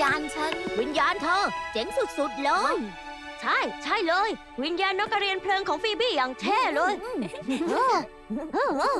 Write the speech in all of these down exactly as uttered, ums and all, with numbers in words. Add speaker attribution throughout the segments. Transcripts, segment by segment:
Speaker 1: ญาณฉัน
Speaker 2: วิญญาณเธอ เจ๋งสุดๆเลย
Speaker 3: ใช่ใช่เลย วิญญาณนกกระเรียนเพลิงของฟีบี้อย่างเท่เลยเออเออเออน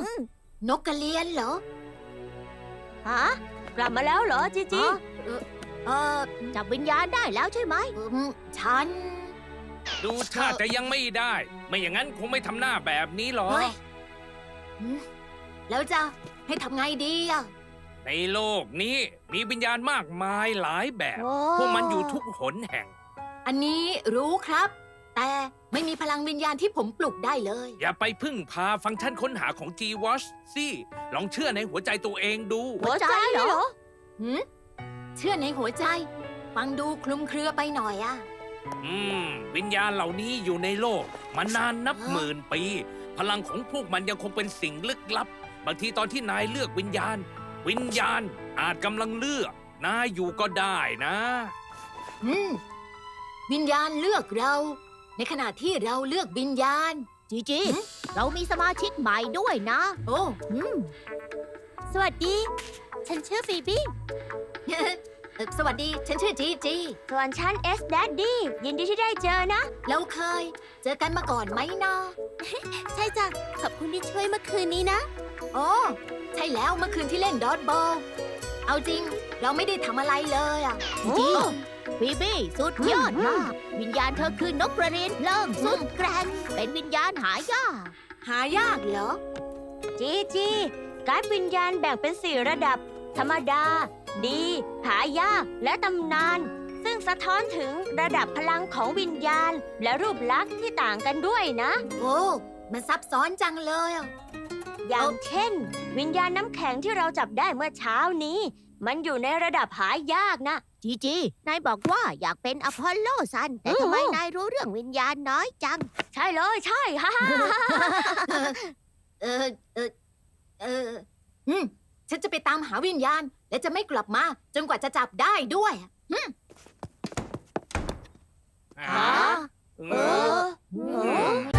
Speaker 1: กกระเรียนเหรอ
Speaker 3: ฮะกลับมาแล้วเหรอจีจี
Speaker 1: เออ
Speaker 2: จับวิญญาณได้แล้วใช่ไหม
Speaker 1: อืมฉัน
Speaker 4: ดูท่าจะยังไม่ได้ ไม่อย่างนั้นคงไม่ทำหน้าแบบนี้หรอก
Speaker 1: เฮ้ยอืมแล้วจะให้ทำไงดีอ่ะ
Speaker 4: ในโลกนี้มีวิญญาณมากมายหลายแบบ
Speaker 3: โอ้
Speaker 4: พวกมันอยู่ทุกหนแห่ง
Speaker 1: อันนี้รู้ครับ แต่ไม่มีพลังวิญญาณที่ผมปลุกได้เลย
Speaker 4: อย่าไปพึ่งพาฟังก์ชันค้นหาของ G-Watch สิลองเชื่อในหัวใจตัวเองดู
Speaker 3: หัวใจเหรอ
Speaker 1: หืมเชื่อในหัวใจ ฟังดูคลุมเครือไปหน่อยอ่ะ
Speaker 4: อืม วิญญาณเหล่านี้อยู่ในโลกมานานนับ
Speaker 1: ฮะ
Speaker 4: หมื่นปี พลังของพวกมันยังคงเป็นสิ่งลึกลับ บางทีตอนที่นายเลือกวิญญาณ วิญญาณอาจกำลังเลือก นายอยู่ก็ได้นะ
Speaker 1: อืมวิญญาณเลือกเรา ในขณะที่เราเลือกวิญญาณ
Speaker 2: จีจี เรามีสมาชิกใหม่ด้วยนะ
Speaker 1: โอ้
Speaker 2: อืม
Speaker 3: สวัสดี ฉันชื่อฟีบี้
Speaker 1: เอ่อสวัสดี ฉันชื่อจีจี
Speaker 3: ส่วนฉันเอสแดดดี้ยินดีที่ได้เจอนะ
Speaker 1: เราเคย เจอกันมาก่อนไหมนะ
Speaker 3: ใช่จ้ะ ขอบคุณที่ช่วยเมื่อคืนนี้นะ
Speaker 1: โอ้ใช่แล้วเมื่อคืนที่เล่นดอทบอล เอาจริง เราไม่ได้ทำอะไรเลยอ่ะ
Speaker 2: จีจีฟีบี้สุดยอดมาก วิญญาณเธอคือนกกระเรียนเพลิงสุดแกร่ง เป็นวิญญาณหายาก
Speaker 1: หายากเหรอ
Speaker 3: จีจีการ์ดวิญญาณแบ่งเป็นสี่ระดับ ธรรมดา ดี หายาก และตำนาน ซึ่งสะท้อนถึงระดับพลังของวิญญาณ และรูปลักษณ์ที่ต่างกันด้วยนะ
Speaker 1: โอ้ มันซับซ้อนจังเลยอ่ะ
Speaker 3: อย่างเช่น วิญญาณน้ำแข็งที่เราจับได้เมื่อเช้านี้ มันอยู่ในระดับหายากนะ
Speaker 2: จีจี นายบอกว่าอยากเป็นอพอลโลซัน แต่ทำไม
Speaker 3: อืม
Speaker 2: นายรู้เรื่องวิญญาณน้อยจัง
Speaker 3: ใช่เลยใช่ ฮ่าฮ่าฮ่า
Speaker 1: เออ เออ เออ อืม ฉันจะไปตามหาวิญญาณ และจะไม่กลับมา จนกว่าจะจับได้ด้วย
Speaker 4: อ่า
Speaker 3: เออ
Speaker 4: อืม